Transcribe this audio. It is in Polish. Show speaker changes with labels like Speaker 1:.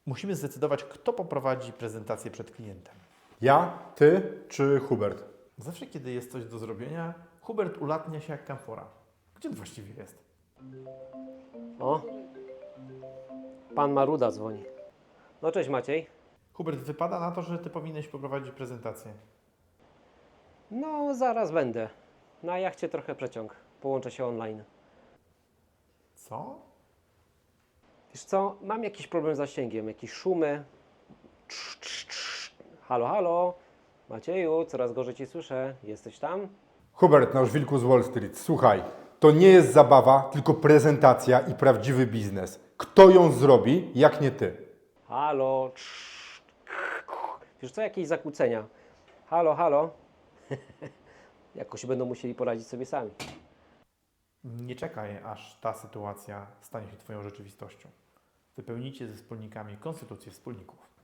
Speaker 1: Musimy zdecydować, kto poprowadzi prezentację przed klientem.
Speaker 2: Ja, ty czy Hubert?
Speaker 1: Zawsze, kiedy jest coś do zrobienia, Hubert ulatnia się jak kamfora. Gdzie on właściwie jest?
Speaker 3: O, pan Maruda dzwoni. No cześć Maciej.
Speaker 1: Hubert, wypada na to, że ty powinieneś poprowadzić prezentację.
Speaker 3: No zaraz będę. Na jachcie trochę przeciąg. Połączę się online.
Speaker 1: Co?
Speaker 3: Wiesz co, mam jakiś problem z zasięgiem, jakieś szumy. Trz, trz, trz. Halo, halo. Macieju, coraz gorzej Cię słyszę. Jesteś tam?
Speaker 2: Hubert, nasz wilku z Wall Street. Słuchaj, to nie jest zabawa, tylko prezentacja i prawdziwy biznes. Kto ją zrobi, jak nie ty?
Speaker 3: Halo. Trz. Wiesz co, jakieś zakłócenia. Halo, halo. Jakoś będą musieli poradzić sobie sami.
Speaker 1: Nie czekaj, aż ta sytuacja stanie się twoją rzeczywistością. Wypełnijcie ze wspólnikami konstytucję wspólników.